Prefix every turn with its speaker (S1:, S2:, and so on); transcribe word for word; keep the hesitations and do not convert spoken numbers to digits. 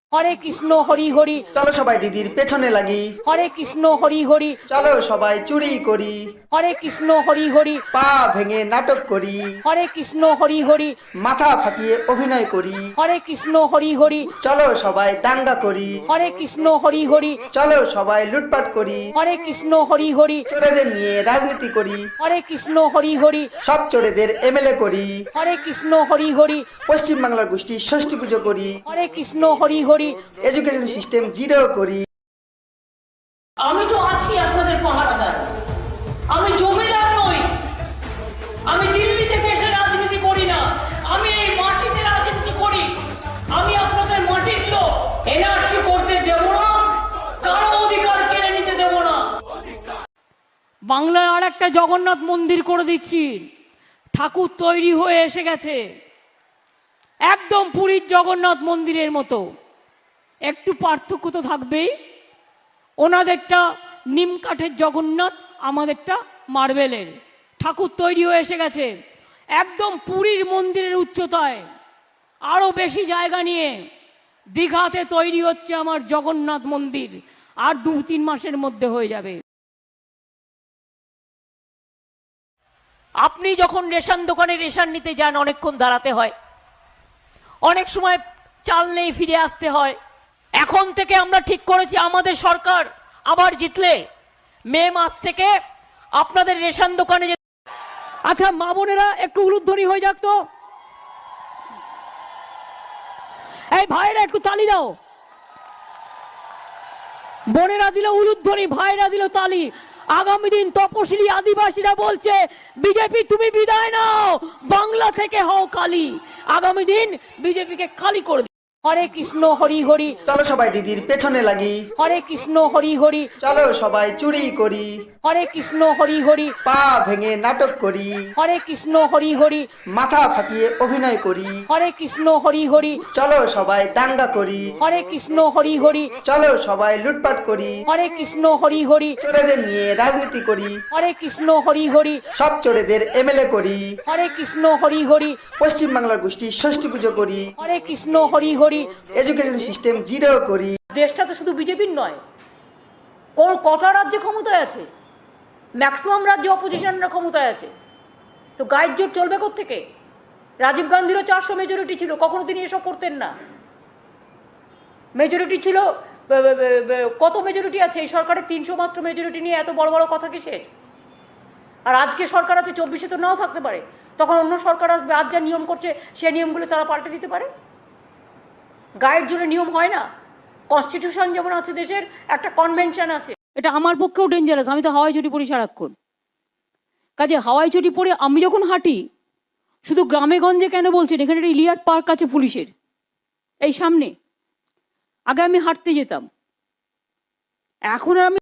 S1: হরে কৃষ্ণ হরি হরি।
S2: চলো সবাই দিদির পেছনে লাগি।
S1: হরে কৃষ্ণ হরি হরি।
S2: চলো সবাই চুরি করি।
S1: হরে কৃষ্ণ হরি হরি।
S2: পা ভেঙে নাটক করি।
S1: হরে কৃষ্ণ হরি হরি।
S2: মাথা ফাটিয়ে অভিনয় করি।
S1: হরে কৃষ্ণ হরি হরি।
S2: চলো সবাই দাঙ্গা করি।
S1: হরে কৃষ্ণ হরি হরি।
S2: চলো সবাই লুটপাট করি।
S1: হরে কৃষ্ণ হরি হরি।
S2: চোরেদের নিয়ে রাজনীতি করি।
S1: হরে কৃষ্ণ হরি হরি।
S2: সব চোরেদের এমএলএ করি।
S1: হরে কৃষ্ণ হরি হরি।
S2: পশ্চিম বাংলার গোষ্ঠী ষষ্ঠী পুজো করি।
S1: Hare Krishna Hari Hari.
S2: Education system zero করি।
S3: আমি তো আছি আপনাদের পাহারাদার। আমি জমিদার নই, আমি দিল্লি থেকে এসে রাজনীতি করি না, আমি এই মাটিতে রাজনীতি করি। আমি আপনাদের মাটির লোক, এনআরসি করতে দেব না, কারো অধিকার কেড়ে নিতে দেব না।
S1: বাংলায় আর একটা জগন্নাথ মন্দির করে দিচ্ছি, ঠাকুর তৈরি হয়ে এসে গেছে, একদম পুরীর জগন্নাথ মন্দিরের মতো। একটু পার্থক্য তো থাকবেই, ওনাদেরটা নিম কাঠের জগন্নাথ, আমাদেরটা মার্বেলের। ঠাকুর তৈরি হয়ে এসে গেছে একদম পুরীর মন্দিরের উচ্চতায়, আরো বেশি জায়গা নিয়ে। দীঘাতে তৈরি হচ্ছে আমার জগন্নাথ মন্দির, আর দু তিন মাসের মধ্যে হয়ে যাবে। আপনি যখন রেশন দোকানে রেশন নিতে যান, অনেকক্ষণ দাঁড়াতে হয়, অনেক সময় চাল নেই, ফিরে আসতে হয়। এখন থেকে আমরা ঠিক করেছি, আমাদের সরকার আবার জিতলে মে মাস থেকে আপনাদের রেশন দোকানে যে, আচ্ছা মা বোনেরা একটু উলুধ্বনি হয়ে যাক তো, এই ভাইরা একটু তালি দাও। বোনেরা দিল উলুধ্বনি, ভাইরা দিল তালি। আগামী দিন তপশিলি আদিবাসীরা বলছে, বিজেপি তুমি বিদায় নাও, বাংলা থেকে হও কালি। আগামী দিন বিজেপিকে খালি করে দিন। হরে কৃষ্ণ হরি হরি।
S2: চলো সবাই দিদির পেছনে লাগি।
S1: হরে কৃষ্ণ হরি হরি।
S2: চলো সবাই চুরি করি।
S1: হরে কৃষ্ণ হরি হরি।
S2: পা ভেঙে নাটক করি।
S1: হরে কৃষ্ণ হরি হরি।
S2: মাথা ফাটিয়ে অভিনয় করি।
S1: হরে কৃষ্ণ হরি হরি।
S2: চলো সবাই দাঙ্গা করি।
S1: হরে কৃষ্ণ হরি হরি।
S2: চলো সবাই লুটপাট করি।
S1: হরে কৃষ্ণ হরি হরি।
S2: চোরেদের নিয়ে রাজনীতি করি।
S1: হরে কৃষ্ণ হরি হরি।
S2: সব চোরেদের এমএলএ করি।
S1: হরে কৃষ্ণ হরি হরি।
S2: পশ্চিম বাংলার গোষ্ঠী ষষ্ঠী পুজো করি।
S1: Hare Krishna Hari Hari.
S2: Education system zero করি।
S3: দেশটা তো শুধু বিজেপির নয়, কোন কটা রাজ্যে ক্ষমতায় আছে, ম্যাক্সিমাম রাজ্যে অপোজিশনরা ক্ষমতায় আছে। তো গাইড জোট চলবে কোত্থেকে? রাজীব গান্ধীরও চারশো মেজরিটি ছিল, কখনো তিনি এসব করতেন না। মেজরিটি ছিল, কত মেজরিটি আছে এই সরকারের? তিনশো মাত্র মেজরিটি নিয়ে এত বড় বড় কথা কিসের? আর আজকে সরকার আছে, চব্বিশে তো নাও থাকতে পারে, তখন অন্য সরকার আসবে, আজ যা নিয়ম করছে সেই নিয়মগুলো তারা পাল্টে দিতে পারে। গাইড জোরে নিয়ম হয় না। কনস্টিটিউশন যেমন আছে দেশের, একটা কনভেনশন আছে। এটা আমার পক্ষেও ডেঞ্জারাস, আমি তো হাওয়াই চটি পরি সারাক্ষণ। কাজে হাওয়াই চটি পরে আমি যখন হাঁটি, শুধু গ্রামে গঞ্জে কেন বলছেন, এখানে একটা ইলিয়াট পার্ক আছে পুলিশের এই সামনে, আগে আমি হাঁটতে যেতাম, এখন আর আমি